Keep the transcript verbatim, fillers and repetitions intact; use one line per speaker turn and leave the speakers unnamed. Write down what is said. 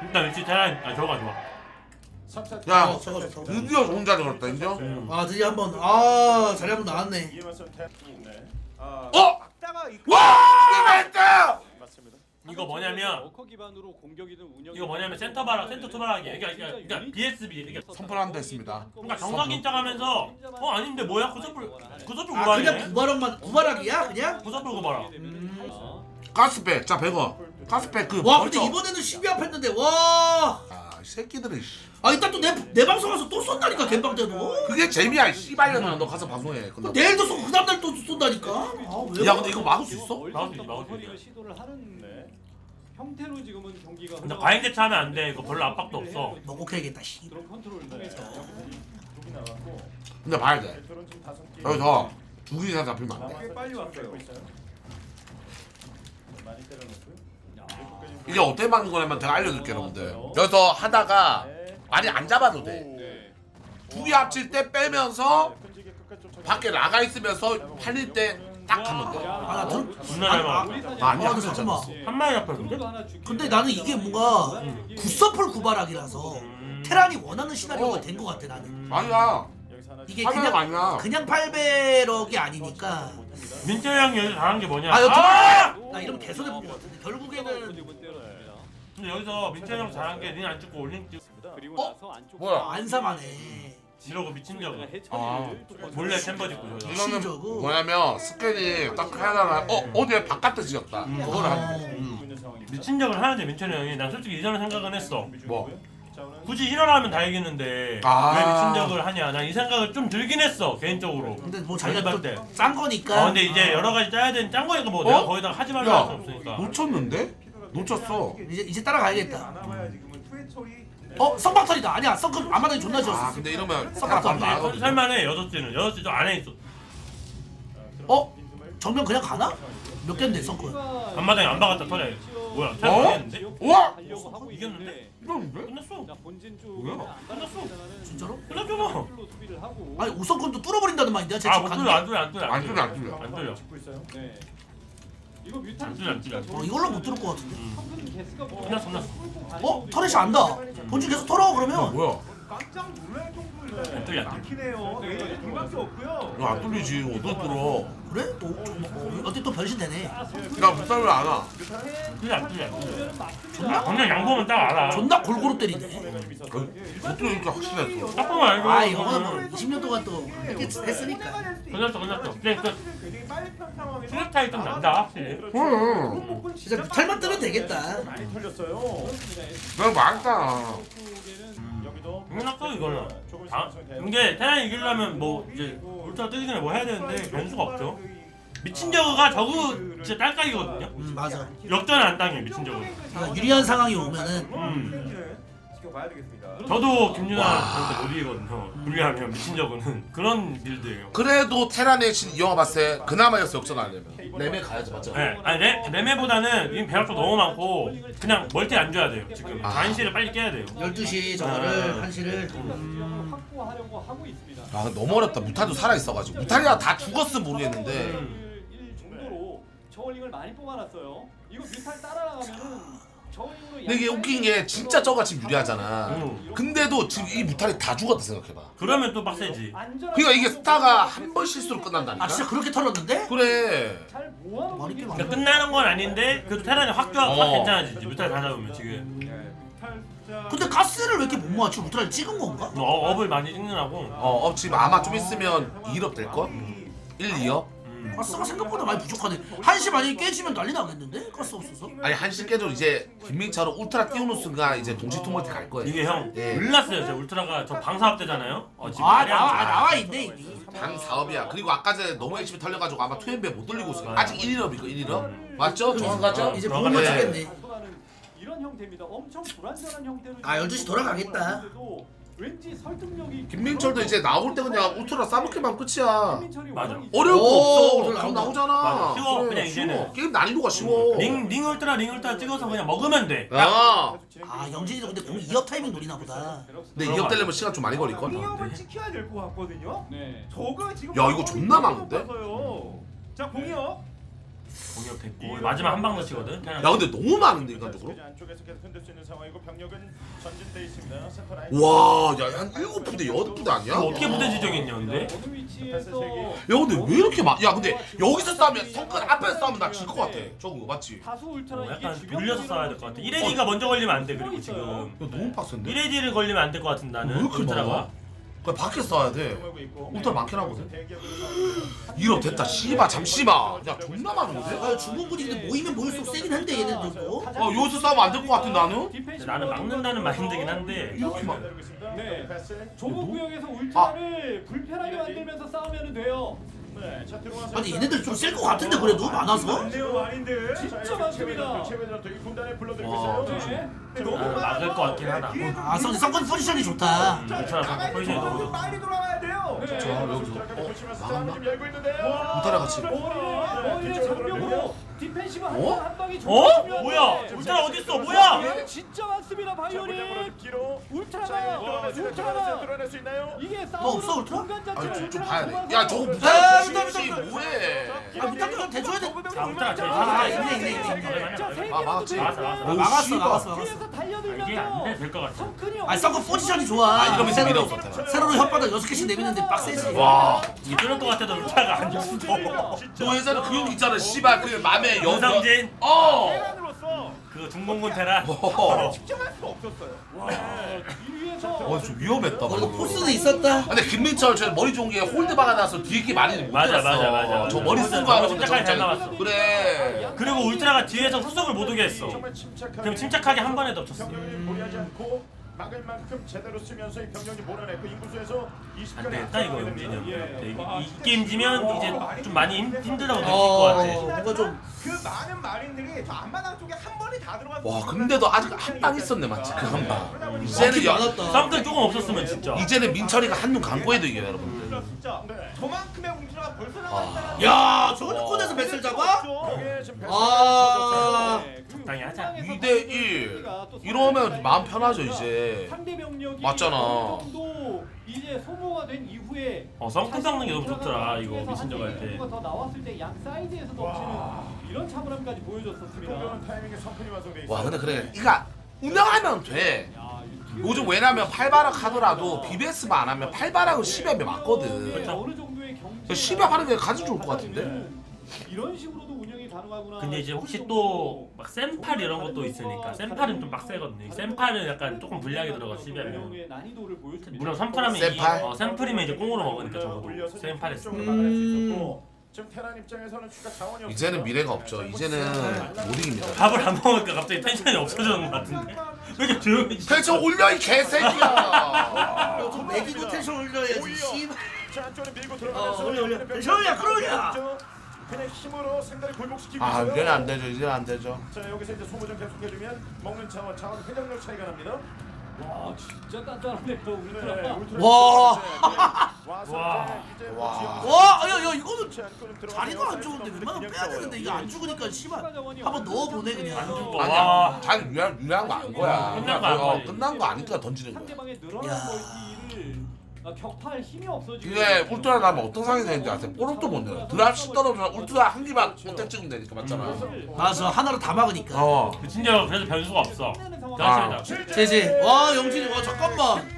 일단 위치 테란 아 저거가 좋아.
야
어, 저거 좋다.
드디어 좋은 자리 걸었다 인정?
음.
아 드디어 한번 아 자리 한번 나왔네.
어? 와! 이게 멘트!
맞습니다.
이거 뭐냐면
워커 기반으로 공격이든 운영
이거 뭐냐면 센터 바라 센터 투바라기 그러니까 그러니까, 그러니까 비에스비 이게
선풀한다 했습니다.
그러니까 정석인 척하면서 어 아닌데 뭐야 구서불 구서불
아 그냥
구발이네.
구바락만 구바락이야 그냥?
구서불 구발아.
가스백 자 백원 가스백 그
와 근데
벌써-
이번에는 십이 앞 했는데 와.
아 이 새끼들이 씨.
아 이따 또 내 내 방송 가서 또 쏜다니까 갬방 때도.
그게 재미야 이 씨발년아 너 가서 방송해
그럼
끝나.
내일도 쏘고 그 다음날 또 쏜다니까. 아 왜?
야 근데 이거 막을 수 있어?
막을 수 있지, 막을 수 있지.
시도를 하는 형태로 지금은 경기가
근데 과잉 대처하면 안 돼. 이거 별로 압박도 없어.
먹고해야겠다 씨.
그런 컨트롤을 통해서
여기 나왔고
근데 봐야 돼
배터는 지금 다섯 개.
여기서 두 이상 잡히면 안돼
꽤 빨리 왔어요. 많이 때려놓고요.
이게 어떻게 막는 거냐면 제가 알려줄게 여러분들 여기서 하다가 많이 안 잡아도 돼
네.
두 개 합칠 때 빼면서
끈질게 끝까지 쫓아가요.
밖에 나가 있으면서 팔릴 때 딱 하면 돼
아나 들.
존나 잘 막아.
아, 아니야.
아 근데 잠깐만.
한 마리 잡혔는데?
근데 나는 이게 뭔가 굿서플 구바락이라서
음.
테란이 원하는 시나리오가
어.
된 것 같아 나는.
아니야
여기서 하나
이게
화면이
그냥
아니야
그냥 팔백이 아니니까.
민철 형이 여기서 잘한 게 뭐냐?
아 여기
아!
나 이러면 개선해 본 것 같은데 결국에는
근데 여기서 민철 형 잘한 게 닌 안 찍고 올린 찍
그리고
어?
나서 안쪽
뭐야?
안삼하네.
이러고 미친 적.
아.
몰래 챔버 짓고 저.
이거는
신저고.
뭐냐면 스캔이 딱 하다가 어? 어디에 바깥에 지었다
음.
그걸 하는 거지
있고 있는 상황입니다.
미친 적을 하는데 민철 형이 난 솔직히 이전에 생각은 했어.
뭐?
자, 오늘
굳이 힐러라면 다 이기는데
아.
왜 미친 적을 하냐? 난 이 생각을 좀 들긴 했어 개인적으로.
근데 뭐 자기가
연습할 때.
또 짠 거니까.
어 근데 이제 여러 가지 짜야 되는 짠 거니까 뭐
어?
내가 거기다가 하지 말라 할 수
야
없으니까.
놓쳤는데? 놓쳤어
이제 이제 따라가야겠다.
나와야 지금은 투의 처리.
어 성박털이다. 아니야 성큼 앞마당이 존나
아
지었어.
근데 이러면
썩었다.
사람
설-
나가거든
설마네 여섯 시는 여섯 시도 안에 있어.
어? 정면 그냥 가나? 몇 개인데 성큼?
앞마당에 안 박았다 터져. 뭐야? 잘
어?
모르겠는데?
우와!
하려고 하고
이겼는데?
이러는데?
끝났어.
자, 본진
뭐야?
쪽은 안
끝났어.
진짜로?
끝났잖아.
수비를 하고
아니 우성큼도 뚫어버린다는 말인데 제
아,
집
못
가는
뚫려,
게.
안 뚫려, 안 뚫려,
안 뚫려 안 뚫려
안 뚫려.
짓고 있어요.
네. 이거 뮤탄
안 뚫려, 안 뚫려.
어 이걸로 못 뚫을 것 같은데.
성큰 개수가 뭐
끝났어, 끝났어.
어? 터렛이 안다. 본진 계속 털어 그러면.
뭐야
깜짝 놀랄 정도로
안 뚫려, 안 뚫려.
막히네요. 네, 둘밖에 없고요.
이거 안 뚫리지 어디 뚫어
그래? 또 어, 어때 또 변신되네.
야 무쌍을 안 와.
뚫려, 안 뚫려, 안 뚫려. 그냥 양보면 딱 알아.
존나 골고루 때리네.
못 뚫리니까 확실했어
딱 보면 알고.
아 이거는 뭐 이십 년 동안 또 이렇게 했으니까.
끝났어, 끝났어. 그냥 그
굉장히 빨리 편 상황에서
수력 차이 좀 난다, 확실히.
응
진짜 뮤탈만 뜨면 되겠다.
많이 털렸어요.
내가 말했잖아
여기도
끝났어, 이거는.
조금
아,
있으면
이게 테란 이기려면 뭐 이제 울트라 뜨기 전에 뭐 해야 되는데 변수가 없죠. 미친 저그가 저그 진짜 딸깍이거든요.
음 맞아.
역전을 안 당해 미친 저그.
그러니까 유리한 상황이 오면은
음.
지켜봐야 되겠습니다.
저도 김윤아한테 못 이기거든요. 불리하면 미친 저그는 그런 빌드예요.
그래도 테란의 신 이영화 봤을 때 그나마 였어 역전 하려면 레메 가야지 맞죠?
네, 아니 레, 레메보다는 지금 배합도 너무 많고 그냥 멀티 안 줘야 돼요. 지금
아.
단시를 빨리 깨야 돼요.
열두 시 저거를
아.
한 시를
지형을 확보하려고 하고 있습니다.
아 너무 어렵다 무탈도 살아있어가지고 무탈이야 다 죽었으면 모르겠는데
음.
일 정도로 저울링을 많이 뽑아놨어요. 이거 뮤탈 따라가면은 저울링으로
근데 이게 웃긴 게 진짜 저가 지금 유리하잖아
음.
근데도 지금 이 무탈이 다 죽었다 생각해봐
그러면 또 빡세지.
그러니까 이게 스타가 한 번 실수로 끝난다니까
아 진짜 그렇게 털었는데?
그래
잘 모아놓은
많이
게
깨면
그러니까 끝나는 건 아닌데 그래도 테란이 확, 좋아, 확
어.
괜찮아지지. 무탈 다 잡으면 지금.
근데 가스를 왜 이렇게 못 모았지? 울트라를 찍은 건가?
어, 업을 많이 찍느라고.
어, 어 지금 아마 좀 있으면 일 업 될걸? 일, 이 업?
음.
가스가 생각보다 많이 부족하네. 한 시 만약에 깨지면 난리 나겠는데? 가스 없어서?
아니 한시 깨도 이제 김민철은 울트라 띄우는 순간 이제 동시 투멀티 갈 거예요
이게 형
예.
몰랐어요. 저 울트라가 저 방사업 되잖아요. 어, 지금
아
말이 안
나와
돼.
아, 나와 있네 이미.
방 사업이야 그리고 아까 전에 너무 열심히 털려가지고 아마 투엠베 못 돌리고 있어 아직 일, 일 업이고 일, 일 업? 맞죠? 정확하죠?
이제
들어가네.
몸을 치겠네.
이런 형태입니다. 엄청 불안정한 형태로.
아, 열두 시 돌아가겠다.
왠지 설득력이.
김민철도 이제 나올 때 그냥 울트라 싸먹기만 끝이야
김민철이
맞아.
원하는
어려울 거
오,
없어
울트라
그럼
나온다.
나오잖아
맞아. 쉬워,
그래,
그냥
쉬워.
이제는.
게임 난이도가 쉬워
링, 링 울트라 링 울트라 찍어서 그냥 먹으면 돼.
야
아 영진이도 근데 공 이 업 타이밍 노리나 보다.
근데 이 업 되려면 시간 좀 많이 걸릴걸?
공이업을 지켜야 될 것 같거든요.
네.
저거 지금
야, 이거 존나 많은데?
높아서요. 자 공이업
공격 됐고 마지막 한 방 넣치거든.
야 근데 너무 많은데 인간적으로.
안쪽에서 계속 흔들 수 있는 상황이고 병력은 전진돼 있습니다. 센터 라인.
와야한 일곱 부대 여덟 부대 아니야?
이거 어떻게 부대 지정했냐 근데?
어느 위치에서
야 근데 왜 이렇게 많? 야 근데 여기서 싸우면 성큰 앞에서 싸우면 나 질 것 같아. 저거 맞지? 야
다수 울트라
어,
이게
약간
주변
돌려서 싸워야 될 것 같아. 일 에이디가 먼저 걸리면 안 돼. 그리고 지금
너무 빡센데?
일 에이디를 걸리면 안 될 것 같은
왜
나는
이렇게
울트라가.
많아? 그냥 밖에서 싸워야 돼. 울트라 많긴 하거든.
대기업으로
이럽 됐다. 씨바 잠시만. 야 존나 많은데?
아, 중국분이 근데 모이면 모일수록 세긴 한데 얘네들도.
어 여기서 싸우면 안 될 것 같은 나는?
나는 막는다는 마인드긴 한데
이렇게 막-
네.
네.
좁은 구역에서
아.
울트라를 불편하게 만들면서 싸우면 돼요.
네. 자 들어와서
아니 얘네들 좀 셀 것 같은데 그래도 많아서.
많네요 마린들.
진짜 많습니다.
최배들 이 군단에 불러들이고
와,
있어요.
네.
나는 막을 것 같긴 하다.
아 성, 성권 포지션이 좋다.
울트라 상대 포지션이 너무 좋아.
빨리 돌아와야 돼요.
네.
자 여기서 어 나갔나?
좀 열고 있는데요.
울트라 같이.
머리를 머리를 장벽으로 디펜시브 한,
어?
한 방이
어?
정말
뭐야?
중요한데.
울트라 어딨어? 뭐야?
네, 진짜 많습니다 바이오닉.
기로.
울트라가 울트라가
뚫어낼 수 있나요?
이게
너 없어,
싸우는
울트라?
공간
아니
자체를
좀, 좀
울트라가
봐야 돼.
좁아서
야 저거
아,
무사히
부담,
씨
부담,
뭐해?
아 밑단도 대줘야 돼.
자 울트라 제일
아,
아,
있네, 있네, 있네.
자, 세
아,
개라도
막았지.
막았어, 막았어.
아,
오,
막았어
씨발.
막았어 막았어.
뒤에서
이게
달려들면서
안돼될것 같아.
성큰이
아니 쌍꺼 포지션이 좋아.
아 이러면서
세로로
밀어붙었다.
세로로 혓바닥 여섯 개씩 내미는데 빡세지.
와.
이게 뚫을 것 같아도 울트라가 안 죽어.
너 예전에 그 형 있잖아. 씨발 그 맘에 연.
윤상진
어.
테란으로서
그 중공군 테란.
어.
측정할 수가 없었어요.
이 위에서
어좀 위험했다.
어, 이거
방금.
포스는 있었다.
근데 김민철 저 머리 좋은 게 홀드 박아놔서 뒤에 게 많이 못
맞아,
들었어.
맞아, 맞아, 맞아.
저 머리 쓴 거
저거
알고 근데
침착하게 잘
저거
나왔어.
그래.
그리고 울트라가 뒤에서 후속을 못 오게 했어.
정말 침착하게.
그럼 침착하게 한 번에 덮쳤어.
병력이 무리하지 않고 막을 만큼 제대로 쓰면서 이 병력이 몰아냈고 인구수에서 이십
안 되겠다 이거 용진이 형.
예.
이, 이 게임 지면 이제 좀 많이 힘, 힘들다고 느낄 것
어
같아.
뭔가 좀.
그 많은 마린들이 저 앞마당 쪽에 한 번에 다 들어가서
와 근데도 아직 한 방 있었네 맞지 그 한 방. 이제는
많긴
여,
많았다.
썸들 조금 없었으면 진짜.
이제는 민철이가 한눈 감고 해도 이겨요 여러분들.
진짜
네.
저만큼의 웅주가 벌써
아.
나왔다는
야 저걸 꺼내서 뱃을 잡아? 아.
적당히 하자.
이 대 일. 이러면 마음 편하죠 이제.
상대 병력이
맞잖아.
어느 정도 이제 소모가 된 이후에
어 썸크 닦는 게 너무 좋더라 이거 미친적 할 때.
더 나왔을 때 양 사이드에서 덮치는 이런 차분함까지 보여줬었습니다.
타이밍에 성큰이 완성돼 있어.
와 근데 그래 이거 운영하면 돼.
야, 이거
요즘 왜냐면 팔바락 하더라도 비비에스만 안 하면 팔바락은 십엽에 맞거든.
그렇죠. 어느 정도의 경제
십엽 하는 게 가장 좋을 것 같은데.
이런 식으로도 운영이 가능하구나.
근데 이제 혹시 또 막 샘팔 이런 것도 있으니까 샘팔은 좀 빡세거든요. 샘팔은 약간 조금 불리하게 들어가 십이하면.
운영의 난이도를 보여줍니다.
물론 삼팔하면
샘팔?
이 어, 샘플이면 이제 꽁으로 먹으니까 적어도 샘팔 했으면.
음.
지금 테란 입장에서는 추가 자원이 없어요.
이제는 미래가 없죠. 이제는 못 이깁니다.
밥을 안 먹으니까 갑자기 텐션이 없어지는 것 같은데. 왜 이렇게 조용해지?
텐션 올려 이 개새끼야.
좀 매기고 텐션 올려야지. 씨발.
자, 안쪽으로 밀고
어,
들어가면서
올려, 올려.
병력이
끌어올려, 끌어올려.
그냥 힘으로 상대를 골목시키고
아
있어요.
이제는 안 되죠. 이제는 안 되죠.
자, 여기서 이제 소모전 계속해주면 먹는 자원, 자원 회전력 차이가 납니다.
와 진짜 단단하네요
네,
울트라.
울트라
와.
와서
와.
이제 이제
와.
지역
와, 야, 야, 이거는
지역 안쪽으로 들어가네요.
다리가 안 좋은데 웬만하면 빼야 되는데 이거 안 죽으니까 씨발 한번 넣어보네 그냥.
안 죽어.
아니야.
와.
자기 유리한 유리한 거 안 거야.
끝난 거
그냥
안
어,
거지.
끝난 거 아니까 던지는 거야.
상대방의
야.
늘어난 멀티를 아, 격파할 힘이 없어지고.
이게 울트라 나면 어떤 상황이 되는지 아세요? 볼업도 못 내요. 드랍시 떨어지면 울트라 한 기만 어택 찍으면 되니까 맞잖아.
맞아 하나로 다 막으니까.
어.
그 진짜 그래서 변수가 없어.
끝내는 상황.
대단하다.
제제. 와 영진이 와 잠깐만.